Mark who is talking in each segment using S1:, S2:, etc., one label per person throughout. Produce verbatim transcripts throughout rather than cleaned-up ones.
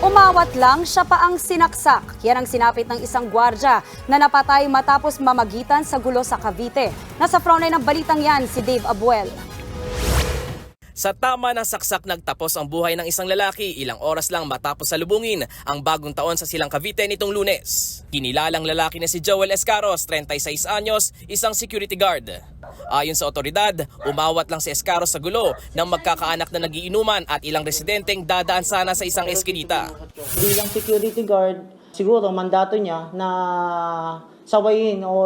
S1: Umawat lang, siya pa ang sinaksak. Yan ang sinapit ng isang gwardya na napatay matapos mamagitan sa gulo sa Cavite. Nasa frontline ng balitang yan si Dave Abuel.
S2: Sa tama ng saksak nagtapos ang buhay ng isang lalaki ilang oras lang matapos salubungin ang bagong taon sa Silang Cavite nitong Lunes. Kinilalang lalaki na si Joel Escaros, thirty-six anyos, isang security guard. Ayon sa otoridad, umawat lang si Escaros sa gulo ng magkakaanak na nagiinuman at ilang residenteng dadaan sana sa isang eskinita.
S3: Bilang security guard, siguro mandato niya na sawayin o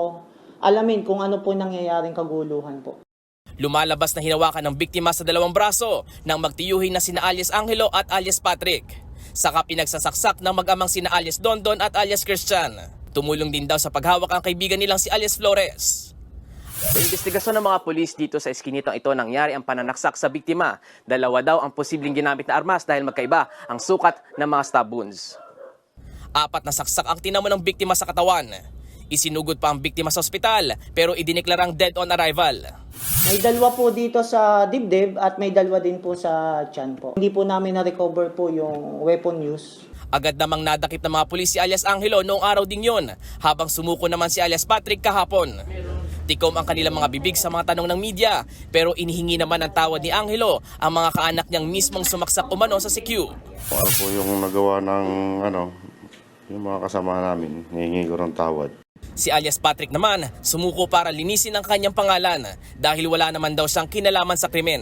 S3: alamin kung ano po nangyayaring kaguluhan po.
S2: Lumalabas na hinawakan ng biktima sa dalawang braso ng magtiyuhin na sina alias Angelo at alias Patrick. Saka pinagsasaksak ng mag-amang sina alias Dondon at alias Christian. Tumulong din daw sa paghawak ang kaibigan nilang si alias Flores. Sa investigasyon ng mga pulis dito sa eskinitang ito nangyari ang pananaksak sa biktima. Dalawa daw ang posibleng ginamit na armas dahil magkaiba ang sukat ng mga stab wounds. Apat na saksak ang tinamo ng biktima sa katawan. Isinugod pa ang biktima sa ospital pero idineklarang dead on arrival.
S3: May dalawa po dito sa dibdib at may dalawa din po sa tiyan po. Hindi po namin na-recover po yung weapon use.
S2: Agad namang nadakip ng mga pulis si alias Angelo noong araw ding yun, habang sumuko naman si alias Patrick kahapon. Tikom ang kanilang mga bibig sa mga tanong ng media, pero inihingi naman ng tawad ni Angelo ang mga kaanak niyang mismong sumaksak umano sa C Q.
S4: Ano po yung nagawa ng ano, yung mga kasama namin, hihingi ko ng tawad.
S2: Si alias Patrick naman sumuko para linisin ang kanyang pangalan dahil wala naman daw siyang kinalaman sa krimen.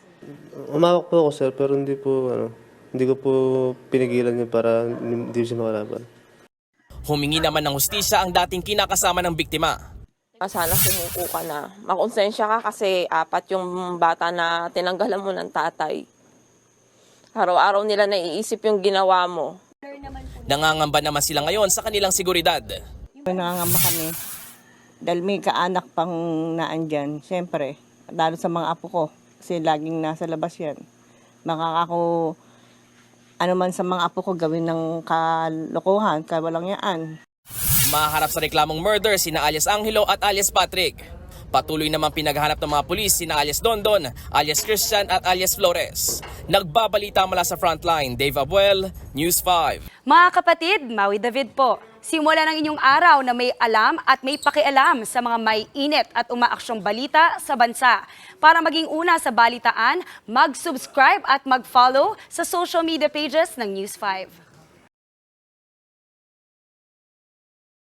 S5: Umawak po ako sir pero hindi po ano, hindi ko po pinigilan niya para hindi siya makalaban.
S2: Humingi naman ng hustisya ang dating kinakasama ng biktima.
S6: Sana sumuko ka na. Makonsensya ka kasi apat yung bata na tinanggalan mo ng tatay. Araw-araw nila naiisip yung ginawa mo.
S2: Nangangamba naman sila ngayon sa kanilang seguridad.
S7: Nangangamba kami dahil may kaanak pang naandyan. Siyempre, lalo sa mga apo ko kasi laging nasa labas yan. Makakako ano man sa mga apo ko gawin ng kalokohan, kawalang yaan.
S2: Maharap sa reklamong murder sina alias Angelo at alias Patrick. Patuloy namang pinaghahanap ng mga pulis sina alias Dondon, alias Christian at alias Flores. Nagbabalita mula sa frontline, Dave Abuel, News five.
S1: Mga kapatid, Maui David po. Simula ng inyong araw na may alam at may pakialam sa mga may init at umaaksyong balita sa bansa. Para maging una sa balitaan, mag-subscribe at mag-follow sa social media pages ng News five.